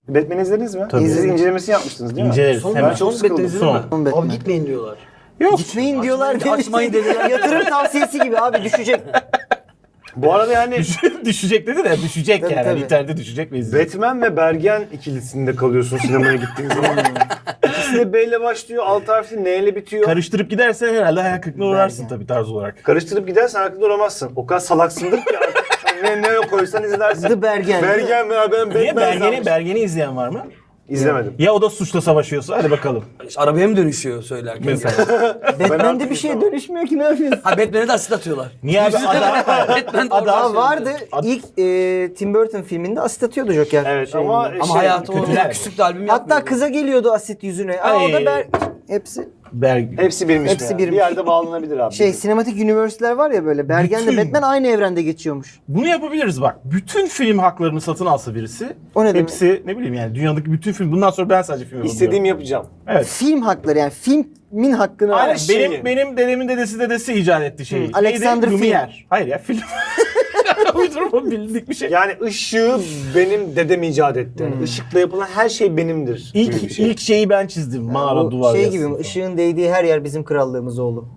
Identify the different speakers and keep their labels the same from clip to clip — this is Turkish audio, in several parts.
Speaker 1: Batman izlediniz mi?
Speaker 2: Tabii.
Speaker 1: Siz incelemesini yapmıştınız değil mi?
Speaker 2: İnceleriz.
Speaker 1: Ben
Speaker 2: Hemen.
Speaker 1: çok sıkıldım.
Speaker 2: Son.
Speaker 3: Abi gitmeyin diyorlar.
Speaker 2: Yok.
Speaker 4: Gitmeyin diyorlar.
Speaker 3: Açmayın dediler.
Speaker 4: Yatırım tavsiyesi gibi abi, düşecek.
Speaker 1: Bu arada yani
Speaker 2: Düşecek dedi de düşecek
Speaker 4: Tabii,
Speaker 2: yani.
Speaker 4: tabii.
Speaker 2: İnternette düşecek ve izleyecek.
Speaker 1: Batman ve Bergen ikilisinde kalıyorsun sinemaya gittiğin zaman. İkisi de B ile başlıyor, alt harfi N ile bitiyor.
Speaker 2: Karıştırıp gidersen herhalde hayal kırıklığına uğrarsın tabii tarz olarak.
Speaker 1: Karıştırıp gidersen hakkında duramazsın. O kadar salaksındır ki ne koysan izlersin.
Speaker 4: The Bergen.
Speaker 1: Bergen mi? Ben
Speaker 2: Niye
Speaker 1: Batman sanmış.
Speaker 2: Bergen'i izleyen var mı?
Speaker 1: İzlemedim.
Speaker 2: Ya o da suçla savaşıyorsa hadi bakalım.
Speaker 3: İşte arabaya mı dönüşüyor söylerken?
Speaker 2: Mesela.
Speaker 4: Batman'de bir şeye dönüşmüyor ki, ne yapıyorsun?
Speaker 3: Ha Batman'e de asit atıyorlar.
Speaker 2: Niye abi
Speaker 3: Batman
Speaker 4: Aa, vardı. İlk Tim Burton filminde asit atıyordu Joker.
Speaker 1: Evet
Speaker 4: şeyinde.
Speaker 1: ama
Speaker 3: Ama hayatı
Speaker 2: kötüler.
Speaker 3: o küçük de albüm
Speaker 4: Hatta
Speaker 3: yapmıyor.
Speaker 4: kıza geliyordu asit yüzüne. Aa, o da hepsi
Speaker 1: hepsi birmiş.
Speaker 4: Hepsi
Speaker 1: yani.
Speaker 4: birmiş.
Speaker 1: Bir yerde bağlanabilir abi.
Speaker 4: sinematik universe'ler var ya böyle. Bergen'le
Speaker 2: Bütün.
Speaker 4: Batman aynı evrende geçiyormuş.
Speaker 2: Bunu yapabiliriz bak. Bütün film haklarını satın alsa birisi.
Speaker 4: O ne demek?
Speaker 2: Hepsi ne bileyim yani dünyadaki bütün film. Bundan sonra ben sadece film
Speaker 1: İstediğimi yapacağım.
Speaker 2: Evet.
Speaker 4: Film hakları, yani filmin hakkını
Speaker 2: Aynen.
Speaker 4: al.
Speaker 2: Benim dedemin dedesi icat etti şeyi.
Speaker 4: Alexander
Speaker 2: Neydi?
Speaker 4: Film.
Speaker 2: Lumière. Hayır ya film. Uydurma bildik bir şey.
Speaker 1: Yani ışığı benim dedem icat etti. Yani ışıkla yapılan her şey benimdir. gibi bir şey.
Speaker 2: İlk şeyi ben çizdim. Mağara
Speaker 4: Bu
Speaker 2: duvar
Speaker 4: şey
Speaker 2: yazısı.
Speaker 4: gibi mi? Işığın değdiği her yer bizim krallığımız oğlum.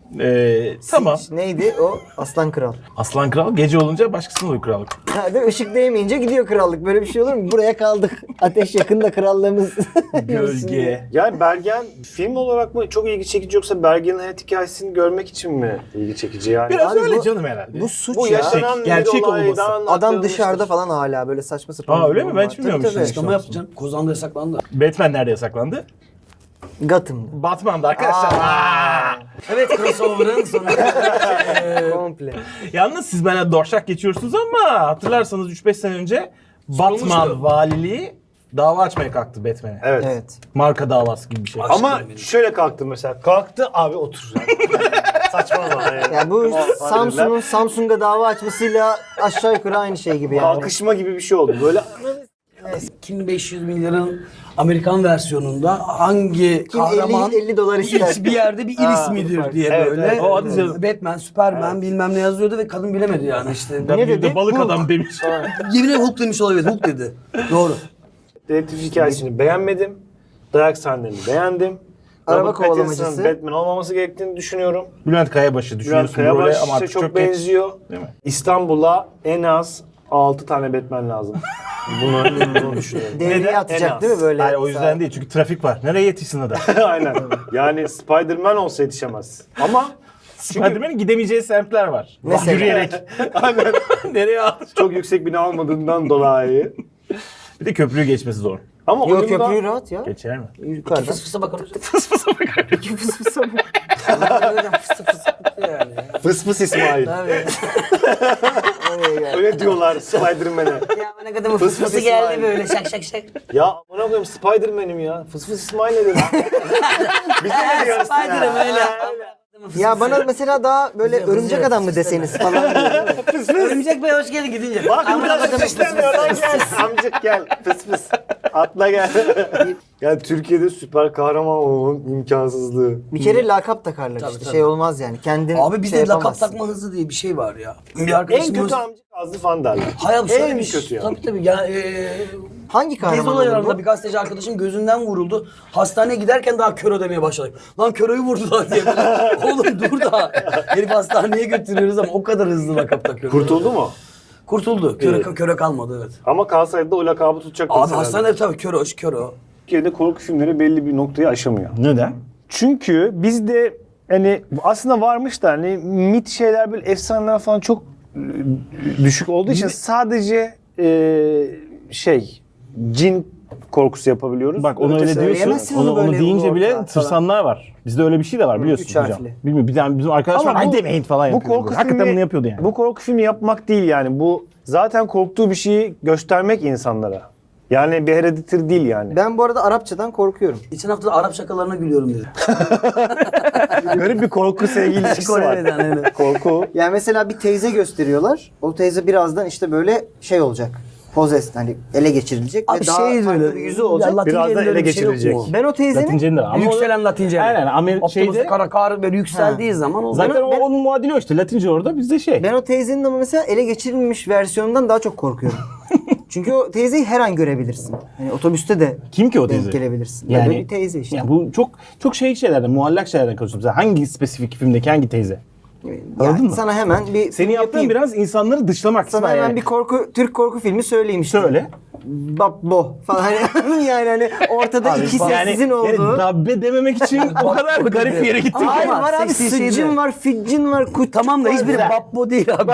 Speaker 2: Tamam.
Speaker 4: Neydi o? Aslan Kral.
Speaker 2: Aslan kral gece olunca başkasına oluyor krallık.
Speaker 4: Ha, değil mi? Işık değmeyince gidiyor krallık. Böyle bir şey olur mu? Buraya kaldık. Ateş yakında krallığımız.
Speaker 2: Gölge.
Speaker 1: Yani Bergen film olarak mı çok ilgi çekici yoksa Bergen'in hayat hikayesini görmek için mi ilgi çekici yani?
Speaker 2: Biraz
Speaker 4: Abi
Speaker 2: öyle
Speaker 4: bu-
Speaker 2: canım herhalde.
Speaker 4: Bu suç
Speaker 1: Bu
Speaker 4: ya.
Speaker 1: yaşanan
Speaker 2: Gerçek
Speaker 1: bir olaydan
Speaker 2: olması.
Speaker 4: Adam dışarıda falan hala böyle saçma sapan.
Speaker 2: Aa, öyle
Speaker 4: bir
Speaker 2: mi?
Speaker 4: durum
Speaker 2: Ben
Speaker 4: var.
Speaker 2: hiç bilmiyorum
Speaker 4: Tabii,
Speaker 2: işte.
Speaker 4: tabii.
Speaker 3: Açıklama yapacağım. Kozan'da yasaklandı.
Speaker 2: Batman nerede yasaklandı?
Speaker 4: Gotham'da.
Speaker 2: Batman'da arkadaşlar.
Speaker 3: Evet crossover'ın sonu.
Speaker 4: Komple.
Speaker 2: Yalnız siz bana dorşak geçiyorsunuz ama hatırlarsanız 3-5 sene önce Batman
Speaker 3: Sorulmuştu.
Speaker 2: valiliği dava açmaya kalktı Batman'e.
Speaker 1: Evet.
Speaker 4: Evet.
Speaker 2: Marka davası gibi bir şey.
Speaker 1: Ama şöyle kalktı mesela. Kalktı abi otur. Saçmalama yani.
Speaker 4: Yani bu
Speaker 1: Tamam,
Speaker 4: Samsung'a dava açmasıyla aşağı yukarı aynı şey gibi yani.
Speaker 1: Kalkışma gibi bir şey oldu. Böyle
Speaker 3: 2500 milyarın Amerikan versiyonunda hangi
Speaker 4: Kim
Speaker 3: kahraman
Speaker 4: 50 dolar ister?
Speaker 3: bir yerde bir il ismidir diye
Speaker 1: evet,
Speaker 3: böyle.
Speaker 1: evet.
Speaker 2: O hadi canım.
Speaker 3: Batman, Superman bilmem ne yazıyordu ve kadın bilemedi yani işte.
Speaker 2: Ya
Speaker 4: Ne
Speaker 2: bir de
Speaker 4: dedi?
Speaker 2: balık
Speaker 4: Hulk.
Speaker 2: adam demiş.
Speaker 3: Yemin ederim Hulk demiş olabilir. Hulk dedi. Doğru.
Speaker 1: dedektif hikayesini beğenmedim. Dayak sahnelerini beğendim.
Speaker 4: Araba
Speaker 1: Robert Pattinson'ın
Speaker 4: kovalamacısı.
Speaker 1: Batman olmaması gerektiğini düşünüyorum.
Speaker 2: Bülent Kayabaşı
Speaker 1: Bülent
Speaker 2: düşünüyorsun böyle ama
Speaker 1: Kayabaş
Speaker 2: artık
Speaker 1: çok
Speaker 2: çok geç.
Speaker 1: benziyor.
Speaker 2: Değil mi?
Speaker 1: İstanbul'a en az 6 tane Batman lazım. Bunu düşünüyorum.
Speaker 4: Devreye
Speaker 2: Neden?
Speaker 1: En
Speaker 4: atacak
Speaker 1: az.
Speaker 4: değil mi böyle?
Speaker 2: Hayır o yüzden değil çünkü trafik var. Nereye yetişsin adam?
Speaker 1: Aynen. Yani Spider-Man olsa yetişemez. Ama
Speaker 2: Spider-Man'in gidemeyeceği semtler var.
Speaker 4: Mesela?
Speaker 2: Yürüyerek.
Speaker 1: aynen
Speaker 2: Nereye alacak?
Speaker 1: çok yüksek bina olmadığından dolayı.
Speaker 2: Bir de köprüyü geçmesi zor.
Speaker 1: Ama
Speaker 4: Yok,
Speaker 1: oyunda
Speaker 4: köprüyü rahat ya.
Speaker 2: Geçer mi?
Speaker 4: Yukarıdan.
Speaker 3: Fıs fısa bakalım.
Speaker 4: Fıs fısa mı?
Speaker 3: Fıs fıs yani.
Speaker 1: Fıs fıs İsmail.
Speaker 3: Tabii.
Speaker 4: Oraya gel.
Speaker 1: Öyle diyorlar Spider-Man'e.
Speaker 3: Ya bana kadar
Speaker 1: Fıs fıs İsmail.
Speaker 3: böyle şak şak şak.
Speaker 1: Ya amına koyayım Spider-Man'im ya. Fıs fıs İsmail ne dedi? Biz de ne diyoruz?
Speaker 3: Spider'ım öyle.
Speaker 4: Ya bana mesela daha böyle örümcek adam mı deseniz falan.
Speaker 3: Örümcek Bey hoş geldin gidince.
Speaker 1: Bak
Speaker 3: Amına
Speaker 1: burada
Speaker 3: koydum,
Speaker 1: istemiyor lan gel. Amcık gel. Fıs fıs. Atla gel. Yani Türkiye'de süper kahraman olmanın imkansızlığı.
Speaker 4: Bir kere lakap takarlar
Speaker 3: Tabii,
Speaker 4: işte.
Speaker 3: tabii.
Speaker 4: Şey olmaz yani. Kendin
Speaker 3: Abi bizde
Speaker 4: şey
Speaker 3: lakap
Speaker 4: yapamazsın.
Speaker 3: takma hızı diye bir şey var ya. Bir
Speaker 1: En
Speaker 3: arkadaşımız...
Speaker 1: kötü amcık Azlı fan derler.
Speaker 3: Hayır şöyle
Speaker 1: En
Speaker 3: bir şey.
Speaker 1: kötü ya.
Speaker 3: Tabii ya.
Speaker 4: Hangi
Speaker 3: Gezi
Speaker 4: kahraman olur
Speaker 3: olaylarında
Speaker 4: bu?
Speaker 3: bir gazeteci arkadaşım gözünden vuruldu. Hastaneye giderken daha kör ödemeye başladık. Lan köröyü vurdular diye. Oğlum dur da. Herif hastaneye götürüyoruz ama o kadar hızlı lakap takıyor.
Speaker 1: Kurtuldu mu?
Speaker 3: Kurtuldu. Köre kalmadı evet.
Speaker 1: Ama kalsaydı da o lakabı tutacak.
Speaker 3: Abi hastanede tabii kör o.
Speaker 1: Türkiye'de korku filmleri belli bir noktayı aşamıyor.
Speaker 2: Neden?
Speaker 1: Çünkü bizde hani aslında varmış da hani mit şeyler böyle efsaneler falan çok düşük olduğu için sadece cin korkusu yapabiliyoruz.
Speaker 2: Bak onu öyle
Speaker 1: Ötesi-
Speaker 2: diyorsun.
Speaker 4: söyleyemezsin
Speaker 2: Onu,
Speaker 4: onu
Speaker 2: onu
Speaker 4: böyle
Speaker 2: deyince
Speaker 4: ulu
Speaker 2: bile
Speaker 4: orta
Speaker 2: tırsanlar var. Bizde öyle bir şey de var biliyorsun
Speaker 4: üç
Speaker 2: hocam.
Speaker 4: harfli.
Speaker 2: Bilmiyorum bir tane bizim arkadaş var.
Speaker 1: Ama
Speaker 2: Ay
Speaker 1: bu-
Speaker 2: demeyin falan
Speaker 1: Bu
Speaker 2: yapıyordu.
Speaker 1: korku
Speaker 2: Hakikaten
Speaker 1: filmi,
Speaker 2: bunu yapıyordu yani.
Speaker 1: Bu korku filmi yapmak değil yani. Bu zaten korktuğu bir şeyi göstermek insanlara. Yani bir Hereditary değil yani.
Speaker 4: Ben bu arada Arapçadan korkuyorum.
Speaker 3: Geçen hafta da Arap şakalarına gülüyorum dedi.
Speaker 1: Garip bir korku sevgi ilişkisi var.
Speaker 3: Kore'den öyle.
Speaker 1: Korku.
Speaker 4: Yani mesela bir teyze gösteriyorlar. O teyze birazdan işte böyle şey olacak. Possessed, hani ele geçirilecek
Speaker 3: Abi
Speaker 4: ve daha
Speaker 3: şey
Speaker 4: farklı
Speaker 3: böyle
Speaker 4: bir yüzü olacak.
Speaker 3: Latince'nin
Speaker 1: Biraz da
Speaker 3: öyle
Speaker 1: ele
Speaker 3: bir şey yok
Speaker 1: geçirilecek.
Speaker 3: mu?
Speaker 4: Ben o teyzenin
Speaker 2: Latince'nin de var. Ama
Speaker 3: Yükselen Latince.
Speaker 2: Aynen,
Speaker 3: Optimus
Speaker 2: şeyde-
Speaker 3: Kar böyle yükseldiği zaman o
Speaker 2: zaten
Speaker 3: zaman...
Speaker 2: onun muadili o işte. Latince orada bizde şey.
Speaker 4: ben o teyzenin ama mesela ele geçirilmiş versiyonundan daha çok korkuyorum. Çünkü o teyzeyi her an görebilirsin. Yani otobüste de
Speaker 2: Kim ki o
Speaker 4: denk
Speaker 2: teyze?
Speaker 4: gelebilirsin.
Speaker 2: Yani-
Speaker 4: Böyle bir teyze işte.
Speaker 2: Yani bu çok şeylerden, muallak şeylerden konuşuyoruz. Mesela hangi spesifik filmdeki hangi teyze?
Speaker 4: Yani
Speaker 2: Anladın mı?
Speaker 4: sana hemen bir
Speaker 2: Senin
Speaker 4: film
Speaker 2: yaptığın
Speaker 4: yapayım.
Speaker 2: biraz insanları dışlamak.
Speaker 4: Sana
Speaker 2: İsmail.
Speaker 4: hemen bir Türk korku filmi söyleyeyim işte.
Speaker 2: Söyle.
Speaker 4: Babbo falan. Yani hani ortada iki sessizin olduğu.
Speaker 2: dabbe dememek için o kadar garip bir yere gittik.
Speaker 4: Hayır
Speaker 3: Ama
Speaker 4: var abi,
Speaker 3: seksi şeydi.
Speaker 4: sıccın var, ficcin var, kutçuk
Speaker 3: Tamam da
Speaker 4: var.
Speaker 3: hiçbiri Babbo değil abi.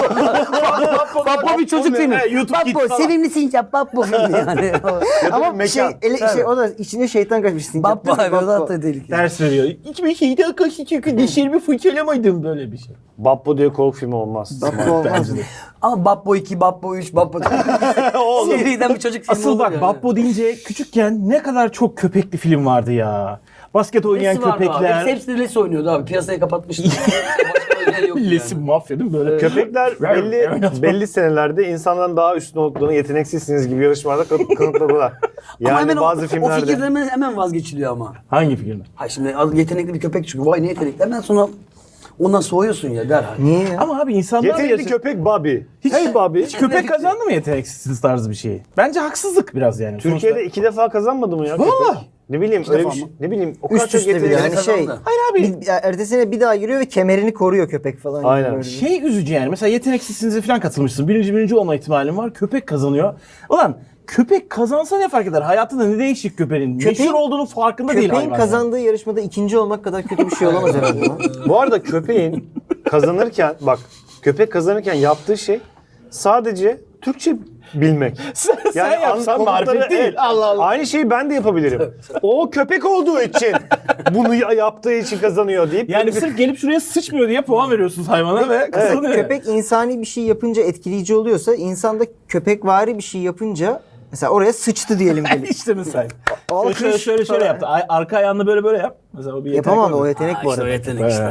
Speaker 3: Babbo bir çocuk filmi.
Speaker 2: YouTube Kids
Speaker 3: Babbo
Speaker 2: falan.
Speaker 3: sevimli sincap Babbo filmi yani.
Speaker 1: Ama
Speaker 4: Ama şey o da içine şeytan kaçmış. sincap
Speaker 3: Babbo
Speaker 4: değil mi?
Speaker 3: abi o da hatta tehlikeli.
Speaker 2: Ders veriyor. Hiçbir şeyde akışı çünkü dişlerimi fırçalamaydım böyle bir şey.
Speaker 1: Babbo diye korku filmi olmaz.
Speaker 4: Babbo olmaz mı?
Speaker 3: Ama Babbo 2, Babbo 3, Babbo 4. Seriden bir çocuk filmi
Speaker 2: Asıl
Speaker 3: olur
Speaker 2: bak
Speaker 3: yani.
Speaker 2: Babbo deyince küçükken ne kadar çok köpekli film vardı ya. Basket oynayan
Speaker 3: Lesi vardı abi.
Speaker 2: köpekler.
Speaker 3: Hepsi de Lesi oynuyordu abi. Piyasayı kapatmıştı. Başka özel yok
Speaker 2: Lesim
Speaker 3: yani.
Speaker 2: mafya değil mi böyle?
Speaker 1: Köpekler belli senelerde insandan daha üstün olduklarını, yeteneksizsiniz gibi yarışmalarda kanıtladılar.
Speaker 3: Ama
Speaker 1: Yani
Speaker 3: hemen
Speaker 1: bazı
Speaker 3: o
Speaker 1: filmlerde.
Speaker 3: fikirden hemen vazgeçiliyor ama.
Speaker 2: Hangi filmde?
Speaker 3: Ha şimdi yetenekli bir köpek çıkıyor. Vay ne yetenekli. Hemen sonra ondan soğuyorsun ya derhal.
Speaker 4: Niye ya?
Speaker 2: Ama abi insanlar
Speaker 1: Yetenekli köpek Bobby. Hey Bobby.
Speaker 2: Hiç köpek kazandı mı yeteneksiz tarzı bir şey? Bence haksızlık biraz yani.
Speaker 1: Türkiye'de
Speaker 2: Sonuçta-
Speaker 1: 2 defa kazanmadı mı ya köpek?
Speaker 2: Vallahi.
Speaker 1: Ne bileyim öyle bir
Speaker 3: defa
Speaker 1: şey.
Speaker 3: mı?
Speaker 1: Ne bileyim o kadar
Speaker 4: Üst
Speaker 1: çok
Speaker 4: üste bir de
Speaker 1: yetenekli.
Speaker 4: yani şey.
Speaker 3: kazandı.
Speaker 2: Hayır abi.
Speaker 4: Ertesine bir daha giriyor ve kemerini koruyor köpek falan.
Speaker 1: Aynen.
Speaker 4: Yani böyle bir-
Speaker 2: Şey üzücü yani. Mesela yeteneksizsinize falan katılmışsın. Birinci olma ihtimalin var. Köpek kazanıyor. Ulan köpek kazansa ne fark eder? Hayatında ne değişik köpeğin? Meşhur olduğunun farkında değil
Speaker 4: Köpeğin
Speaker 2: hayvan.
Speaker 4: kazandığı yarışmada ikinci olmak kadar kötü bir şey olamaz herhalde. lan.
Speaker 1: Bu arada köpeğin kazanırken bak köpek kazanırken yaptığı şey sadece Türkçe bilmek.
Speaker 2: Sen yapsan
Speaker 1: komutları-
Speaker 2: marifet değil.
Speaker 1: evet.
Speaker 2: Allah Allah.
Speaker 1: Aynı şeyi ben de yapabilirim. O köpek olduğu için bunu yaptığı için kazanıyor deyip
Speaker 2: Yani
Speaker 1: böyle bir-
Speaker 2: sırf gelip şuraya sıçmıyor diye puan veriyorsunuz hayvana ve kazanıyor.
Speaker 4: Köpek insani bir şey yapınca etkileyici oluyorsa, insanda köpekvari bir şey yapınca mesela oraya sıçtı diyelim. gelip.
Speaker 2: işte mesela.
Speaker 4: Alkış
Speaker 2: Şöyle
Speaker 4: falan.
Speaker 2: yaptı. Arka ayağını böyle yap. Mesela o bir yetenek
Speaker 4: Yapamam da
Speaker 2: oldu.
Speaker 4: o yetenek bu
Speaker 3: İşte o
Speaker 4: arada.
Speaker 3: yetenek işte.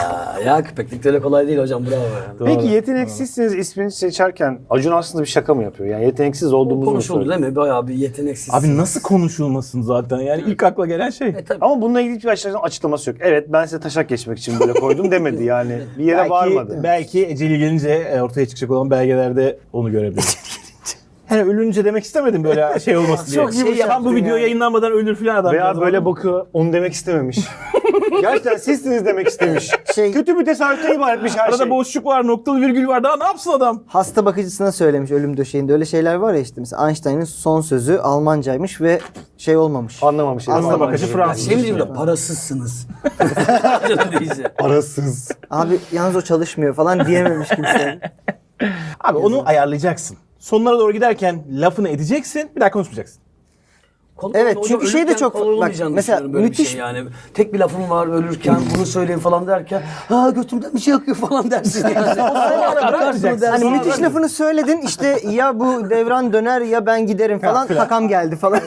Speaker 3: Ya köpeklik de öyle kolay değil hocam bravo yani.
Speaker 2: Doğru.
Speaker 1: Peki yeteneksizsiniz ismini seçerken Acun aslında bir şaka mı yapıyor? Yani yeteneksiz olduğumuzu mu
Speaker 3: Konuşuldu
Speaker 1: söylüyor?
Speaker 3: değil mi? Bayağı bir yeteneksiz.
Speaker 2: Abi nasıl konuşulmasın zaten? Yani ilk akla gelen şey.
Speaker 3: Tabii.
Speaker 1: Ama bununla ilgili bir açıklaması yok. Evet ben size taşak geçmek için böyle koydum demedi yani. Bir yere varmadı.
Speaker 2: Belki eceli gelince ortaya çıkacak olan belgelerde onu görebiliriz. Yani ölünce demek istemedim böyle şey olmasın diye.
Speaker 3: Çok şey
Speaker 2: Tam
Speaker 3: yaptın
Speaker 2: bu video
Speaker 3: ya.
Speaker 2: yayınlanmadan ölür filan adam.
Speaker 1: Veya böyle bakıyor onu demek istememiş. Gerçekten sizsiniz demek istemiş.
Speaker 4: Şey-
Speaker 1: Kötü bir tesadüften ibaretmiş her
Speaker 2: Arada
Speaker 1: şey.
Speaker 2: boşluk var, noktalı virgül var. Daha ne yapsın adam?
Speaker 4: Hasta bakıcısına söylemiş ölüm döşeğinde. Öyle şeyler var ya işte. Mesela Einstein'ın son sözü Almancaymış ve şey olmamış.
Speaker 1: Anlamamış.
Speaker 2: Hasta
Speaker 1: Anlamamış.
Speaker 2: bakıcı Fransız.
Speaker 3: Şey mi diyeyim de parasızsınız. Canım değilse.
Speaker 1: Parasız.
Speaker 4: Abi yalnız o çalışmıyor falan diyememiş kimse.
Speaker 2: Abi onu ayarlayacaksın. Sonlara doğru giderken lafını edeceksin. Bir daha konuşmayacaksın.
Speaker 3: Kolay
Speaker 4: Evet,
Speaker 3: hocam,
Speaker 4: çünkü şey de
Speaker 3: ölürken
Speaker 4: çok-
Speaker 3: kolay
Speaker 4: bak,
Speaker 3: olmayacağını
Speaker 4: mesela
Speaker 3: düşünüyorum böyle bir
Speaker 4: müthiş-
Speaker 3: şey yani. Tek bir lafım var ölürken bunu söyleyeyim falan derken ha götümden bir şey akıyor falan dersin yani. Akarsın o dersin.
Speaker 4: Hani
Speaker 2: Sonra
Speaker 4: müthiş
Speaker 2: ben-
Speaker 4: lafını söyledin işte ya bu devran döner ya ben giderim falan
Speaker 2: filan.
Speaker 4: takam geldi falan.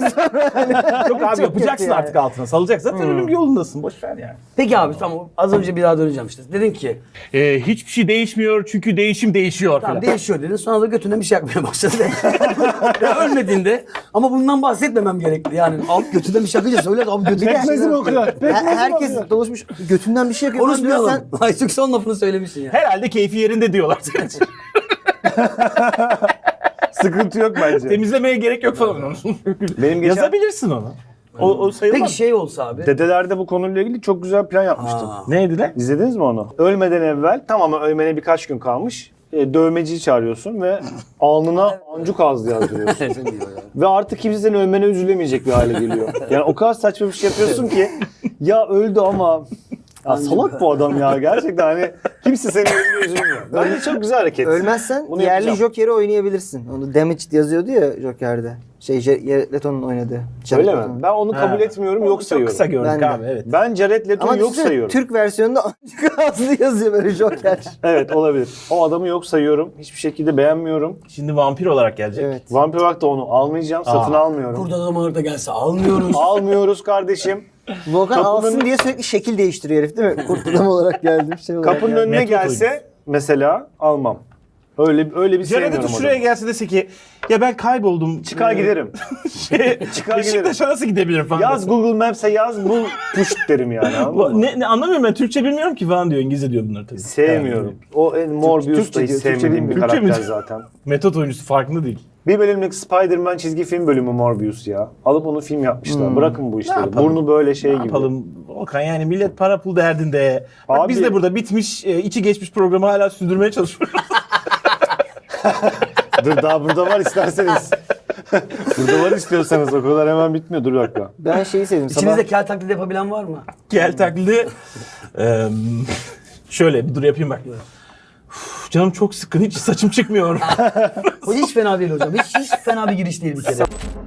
Speaker 2: Yok abi
Speaker 4: Çok
Speaker 2: yapacaksın
Speaker 4: kötü yani.
Speaker 2: artık altına. Salacaksın. Zaten ölüm yolundasın. Boş ver yani.
Speaker 3: Peki abi tamam az önce bir daha döneceğim işte. Dedin ki
Speaker 2: Hiçbir şey değişmiyor çünkü değişim değişiyor
Speaker 3: tamam,
Speaker 2: falan.
Speaker 3: değişiyor dedin sonra da götünden bir şey akmaya başladı. Ya ölmediğinde ama bundan bahsetmemem gerekli yani. Abi götünden bir şey akınca söyle abi götünden bir şey akıyor.
Speaker 4: Herkes doluşmuş götünden bir şey yapıyor. falan diyor,
Speaker 3: Konuşmayalım. Ay çünkü son lafını söylemişsin ya.
Speaker 2: Herhalde keyfi yerinde diyorlar.
Speaker 1: Sıkıntı yok bence.
Speaker 2: Temizlemeye gerek yok falan.
Speaker 1: Benim geçen
Speaker 2: Yazabilirsin onu. O sayılmaz.
Speaker 3: Peki şey olsa abi.
Speaker 1: dedelerde bu konuyla ilgili çok güzel plan yapmıştım.
Speaker 3: Aa.
Speaker 2: Neydi lan?
Speaker 1: İzlediniz mi onu? Ölmeden evvel tamamen ölmene birkaç gün kalmış. Dövmeciyi çağırıyorsun ve alnına ancuk ağzı yazdırıyorsun. Ve artık kimse senin ölmene üzülemeyecek bir hale geliyor. Yani o kadar saçma bir şey yapıyorsun ki ya öldü ama ya salak bu adam ya gerçekten hani kimse senin ölümüne üzülmüyor. Bence çok güzel hareket.
Speaker 4: Ölmezsen
Speaker 1: Bunu
Speaker 4: yerli
Speaker 1: yapacağım.
Speaker 4: Joker'i oynayabilirsin. Onu Damaged yazıyordu ya Joker'de. Jared Leto'nun oynadığı. Jared
Speaker 1: Öyle mi?
Speaker 4: Leto'nun.
Speaker 1: Ben onu kabul etmiyorum, yok
Speaker 2: Çok
Speaker 1: sayıyorum.
Speaker 2: kısa gördük
Speaker 4: Ben de.
Speaker 2: abi evet.
Speaker 1: Ben Jared Leto'yu
Speaker 4: Ama
Speaker 1: yok
Speaker 4: düşünsene,
Speaker 1: sayıyorum.
Speaker 4: Türk versiyonunda ancak ağzını yazıyor böyle Joker.
Speaker 1: Evet olabilir. O adamı yok sayıyorum. Hiçbir şekilde beğenmiyorum.
Speaker 2: Şimdi vampir olarak gelecek.
Speaker 4: Evet.
Speaker 1: Vampir olarak da onu almayacağım. Satın almıyorum.
Speaker 3: Kurt adam orada gelse almıyoruz.
Speaker 1: Almıyoruz kardeşim.
Speaker 4: Volkan
Speaker 1: Kapının-
Speaker 4: alsın diye sürekli şekil değiştiriyor herif değil mi? Kurt adam olarak geldi bir şey olarak
Speaker 1: Kapının
Speaker 4: geldi.
Speaker 1: önüne
Speaker 2: Metro
Speaker 1: gelse mesela almam. Öyle bir
Speaker 2: Jared
Speaker 1: sevmiyorum
Speaker 2: Leto şuraya
Speaker 1: adamı.
Speaker 2: gelse dese ki ya ben kayboldum.
Speaker 1: Çıkar giderim. Çıkar
Speaker 2: Beşiktaş'a nasıl gidebilirim falan.
Speaker 1: Yaz
Speaker 2: dese.
Speaker 1: Google Maps'e yaz bul push derim yani. anladın mı?
Speaker 2: Ne anlamıyorum ben. Türkçe bilmiyorum ki falan diyor. İngilizce diyor bunlar tabii.
Speaker 1: Sevmiyorum. O Morbius
Speaker 4: Türkçe
Speaker 1: da hiç
Speaker 4: diyor, Türkçe
Speaker 1: sevmediğim bir
Speaker 4: bilmiyor.
Speaker 2: Türkçe mi
Speaker 1: karakter
Speaker 2: diyor?
Speaker 1: zaten.
Speaker 2: Metot oyuncusu farkında değil.
Speaker 1: Bir bölümlük Spider-Man çizgi film bölümü Morbius ya. Alıp onu film yapmışlar. Bırakın bu işleri.
Speaker 2: yapalım?
Speaker 1: Burnu böyle şey
Speaker 2: Ne
Speaker 1: gibi.
Speaker 2: yapalım Volkan, yani millet para pul derdinde. Bak
Speaker 1: Abi-
Speaker 2: biz de burada bitmiş, içi geçmiş programı hala sürdürmeye çalışıyoruz.
Speaker 1: Dur daha burada var isterseniz. Burada var istiyorsanız, o kadar hemen bitmiyor. Dur bir dakika.
Speaker 4: Ben şeyi sevdim. Sabah
Speaker 3: İçinizde kel taklidi yapabilen var mı?
Speaker 2: Gel taklidi. Şöyle bir dur yapayım bak. Uf, canım çok sıkkın, hiç saçım çıkmıyor.
Speaker 3: O hiç fena değil hocam. Hiç fena bir giriş değil bir kere.